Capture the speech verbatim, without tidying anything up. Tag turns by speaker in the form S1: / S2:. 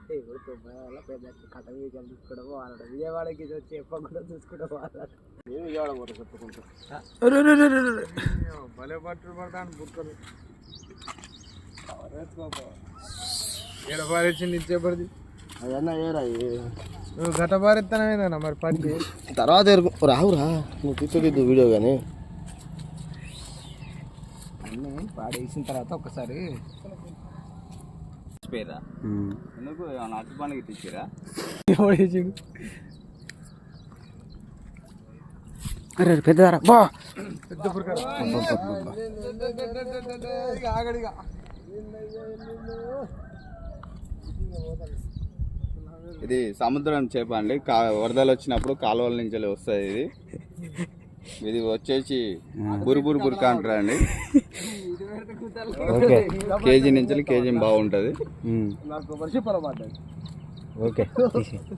S1: పెద్ద కథ వీకెండ్ చూసుకోవడం వాళ్ళ విజయవాడకి వచ్చి ఎప్ప కూడా చూసుకోవడం వాళ్ళ నేను విజయవాడ పోతా చెప్పుకుంటా భలే పట్టులు పడతాను బుక్కలు ఎడపారేసింది ఇచ్చేపడిది అదన్నా ఏరా నువ్వు గత పారెత్తానేనా మరి పట్టి
S2: తర్వాత రావురా నువ్వు తీసుకోలేదు వీడియో కానీ
S1: అన్నీ పాడేసిన తర్వాత ఒకసారి
S3: పేరా ఎందుకు అట్టి పండుగ తెచ్చిరా
S2: అరే పెద్దదారా బా
S1: పెద్ద ఆగడిగా
S3: ఇది సముద్రం చేప అండి కా వరదలు వచ్చినప్పుడు కాలువల నుంచి వస్తుంది ఇది ఇది వచ్చేసి బురుబురు బురుకా అంటారా అండి కేజీ నుంచి కేజీ బాగుంటుంది
S1: నాకు వర్షపరమాట
S2: ఓకే